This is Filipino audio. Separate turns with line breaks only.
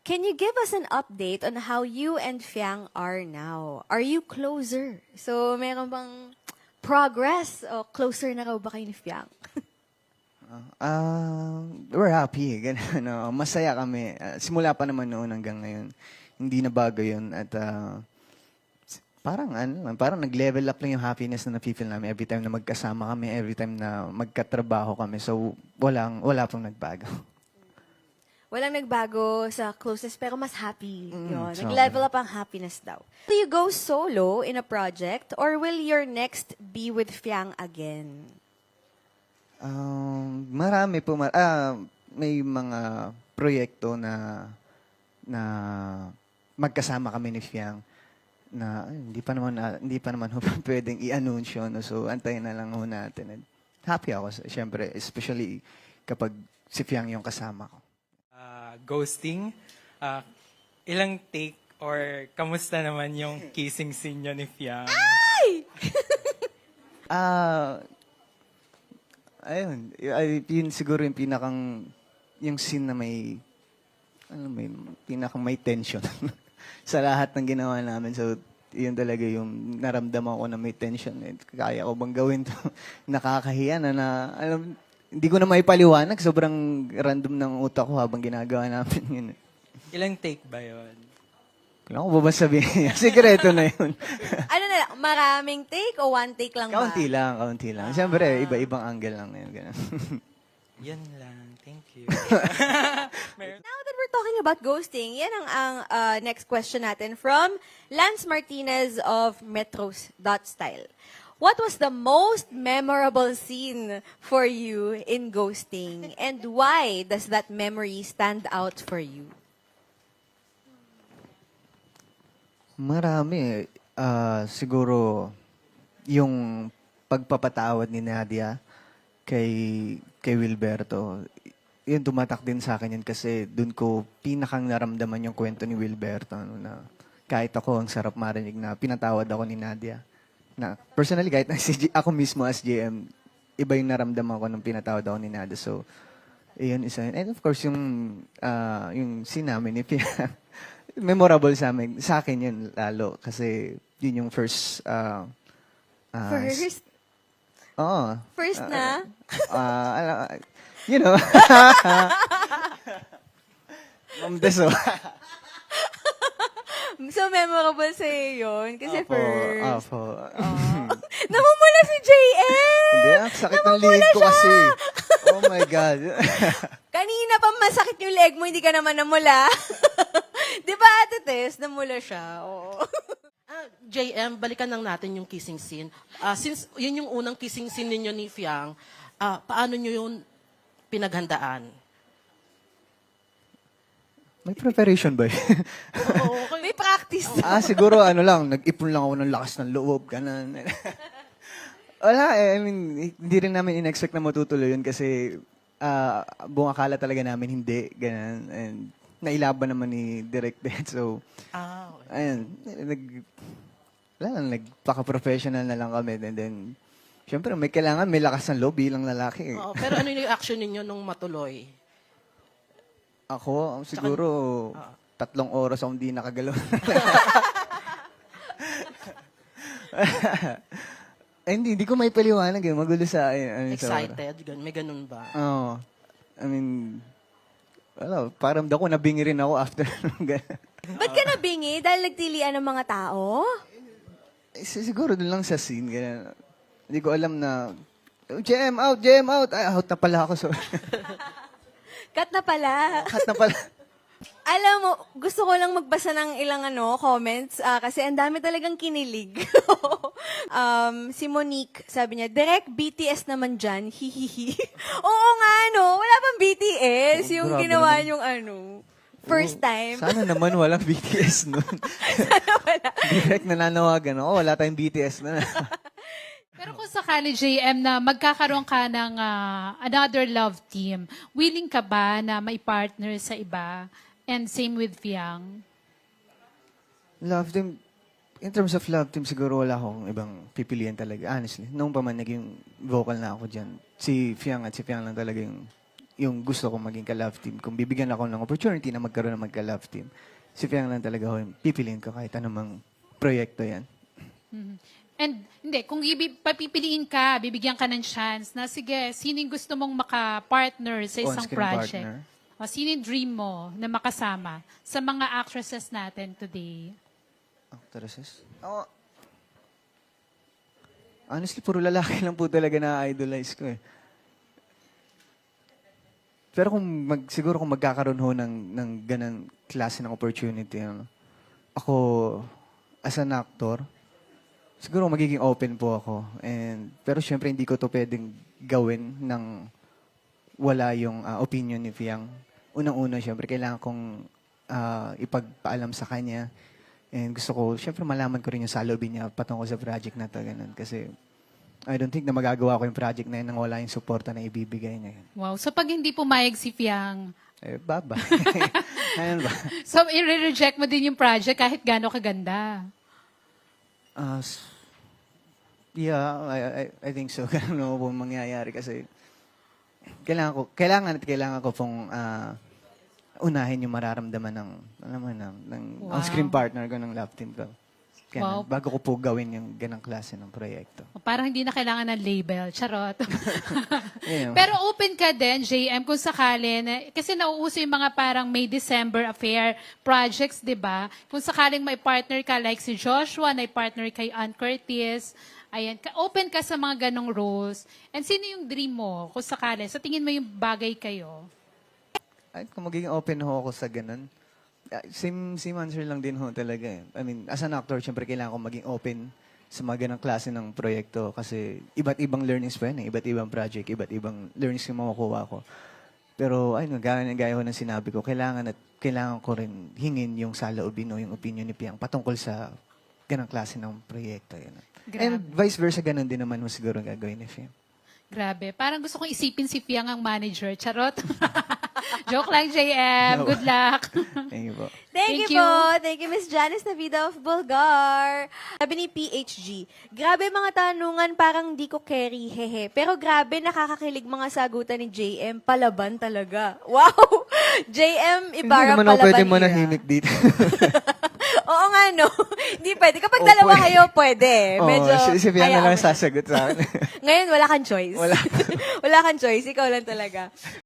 Can you give us an update on how you and Fiang are now? Are you closer? So, meron bang progress o closer na raw ba kayo ni Fiang?
We're happy. Ganun, no? Masaya kami. Simula pa naman noon hanggang ngayon. Hindi na bago yun. At parang nag-level up lang yung happiness na napifeel namin every time na magkasama kami, every time na magkatrabaho kami. So, wala pong nagbago.
Walang nagbago sa closest pero mas happy. Yun.
sobra.
Nag-level up ang happiness daw. Will you go solo in a project or will your next be with Fiang again?
Marami po. May mga proyekto na magkasama kami ni Fiang na hindi pa naman ho pwedeng i-anunsyo. No? So, antayin na lang ho natin. And happy ako, syempre, especially kapag si Fiang yung kasama ko.
Ghosting. Ilang take or kamusta naman yung kissing scene nyo ni Fiang?
Ayun. Yun siguro yung yung scene na may pinakang may tension sa lahat ng ginawa namin. So, yun talaga yung naramdaman ko na may tension. Kaya ko bang gawin to? Nakakahiya na hindi ko na maipaliwanag. Sobrang random ng utak ko habang ginagawa namin yun.
Ilang take ba yun?
Kailangan ko ba sabihin? Sikreto na yun.
Ano na lang, maraming take o one take lang ba?
Kaunti lang. Siyempre, iba-ibang angle lang yun. Ganun.
Yan lang. Thank you.
Now that we're talking about ghosting, yan ang next question natin from Lance Martinez of Metros.style. What was the most memorable scene for you in ghosting? And why does that memory stand out for you?
Marami. Siguro, yung pagpapatawad ni Nadia kay Wilberto, yun tumatak din sa akin yun kasi dun ko pinakang naramdaman yung kwento ni Wilberto. Na kahit ako, ang sarap marinig na pinatawad ako ni Nadia. Na personally, kahit na ako mismo as GM, iba yung naramdaman ko nung pinatawad ako ni Nadia. So, yun isa yun. And of course, yung scene namin ni Pia, memorable sa akin yun lalo. Kasi yun yung first...
First?
Oo.
First na?
You know. Ma'am Deso.
So, memorable sa'yo yun. Kasi first.
Apo.
Namumula si JM!
Hindi, sakit ng leg ko kasi. Oh my God.
Kanina pa masakit yung leg mo, hindi ka naman namula. Di ba, Ate Tess? Namula siya. Oo.
JM, balikan lang natin yung kissing scene. Since yun yung unang kissing scene ninyo ni Fiang, paano nyo yun pinaghandaan?
May preparation ba?
May practice.
Siguro nag-ipon lang ako ng lakas ng loob. Ganun. Wala I mean, hindi rin namin in-expect na matutuloy yun kasi buong akala talaga namin hindi. Ganun. And nailaban naman ni Direct Dead. So,
Okay.
ayun. Nagpaka-professional na lang kami. And then, syempre, may kailangan, may lakas ng loob bilang lalaki.
Oo, pero ano yung action ninyo nung matuloy?
Ako, siguro, 3 oras akong hindi nakagalaw. Hindi ko may paliwanag eh. Magulo sa akin.
Excited? May ganun ba?
Oo. I mean, parang ko nabingi rin ako after.
Ba't ka nabingi? Dahil nagtilian ng mga tao?
Siguro dun lang sa scene. Ganun. Hindi ko alam na, JM out. Ay, out na pala ako. Sorry.
Cut na pala.
Cut na pala.
Alam mo, gusto ko lang magbasa ng ilang comments kasi ang dami talagang kinilig. Si Monique, sabi niya, direct BTS naman dyan, hihihi. Oo nga, no? Wala pang BTS. Yung
grabe
ginawa
naman.
yung first time.
Sana naman walang BTS nun.
Sana wala.
Direct nananawagan ako, wala tayong BTS na.
Pero kung sakali, JM, na magkakaroon ka ng another love team, willing ka ba na may partner sa iba? And same with Fiang?
Love team, in terms of love team, siguro wala akong ibang pipilian talaga. Honestly, noong pa man naging vocal na ako dyan, si Fiang lang talaga yung yung gusto kong maging ka-love team. Kung bibigyan ako ng opportunity na magkaroon ng magka-love team, si Fiang lang talaga ho yung pipiliin ko kahit anumang proyekto yan.
And hindi, kung papipiliin ka, bibigyan ka ng chance na sige, sino yung gusto mong maka-partner sa isang
On-screen
project?
partner.
O sino yung dream mo na makasama sa mga actresses natin today?
Actresses? Honestly, puro lalaki lang po talaga na idolize ko eh. Pero siguro kung magkakaroon ho ng ganang klase ng opportunity, ako, as an actor, siguro magiging open po ako. Pero syempre, hindi ko to pwedeng gawin ng wala yung opinion ni Fiang. Unang-una, syempre, kailangan kong ipagpaalam sa kanya. And gusto ko, syempre, malaman ko rin yung salobin niya patungkol sa project na to. Ganun. Kasi I don't think na magagawa ko yung project na yun nang wala yung suporta na ibibigay niya.
Wow. So pag hindi pumayag si Fiang,
Baba. Ayun ba?
so i-reject mo din yung project kahit gaano kaganda.
Yeah, I think so. Ganun po mangyayari kasi kailangan ko pong unahin yung mararamdaman ng
Wow.
on-screen partner ko ng love team ko.
Wow.
Kaya bago ko po gawin yung ganang klase ng proyekto.
Parang hindi na kailangan ng label. Charot.
Ayun.
Pero open ka din, JM, kung sakali. Kasi nauuso yung mga parang May December affair projects, di ba? Kung sakaling may partner ka like si Joshua, may partner kay Ann Curtis, ayan, open ka sa mga ganong roles. And sino yung dream mo kung sakali? Sa tingin mo yung bagay kayo?
Ay, kung magiging open ho ako sa ganun, same answer lang din ho talaga eh. I mean, as an actor, syempre kailangan ko maging open sa mga ganang klase ng proyekto kasi iba't ibang learnings pa yun eh. Iba't ibang project, iba't ibang learnings yung makukuha ko. Pero ayun, gaya ho ng sinabi ko, kailangan ko rin hingin yung saloobin o yung opinion ni Piang patungkol sa ganang klase ng proyekto. Yun. And vice versa, ganun din naman mo siguro gagawin ni Fiang.
Grabe. Parang gusto kong isipin si Fiang ang manager. Charot. Joke lang, JM. Good luck.
Thank you po.
Thank you po. Thank you, Miss Janice Navida of Bulgar. Sabi ni PHG, grabe mga tanungan, parang di ko carry, hehe. Pero grabe, nakakakilig mga sagutan ni JM. Palaban talaga. Wow! JM Ibarra,
Hindi naman ako
palaban
pwede
era.
manahimik dito.
Oo nga, no? Hindi pwede. Kapag
Oo,
dalawa
pwede.
kayo, pwede. Medyo,
si Fiang na
hayaan
lang
mo siya.
sasagot sa akin.
Ngayon, wala kang choice.
Wala.
Wala kang choice. Ikaw lang talaga.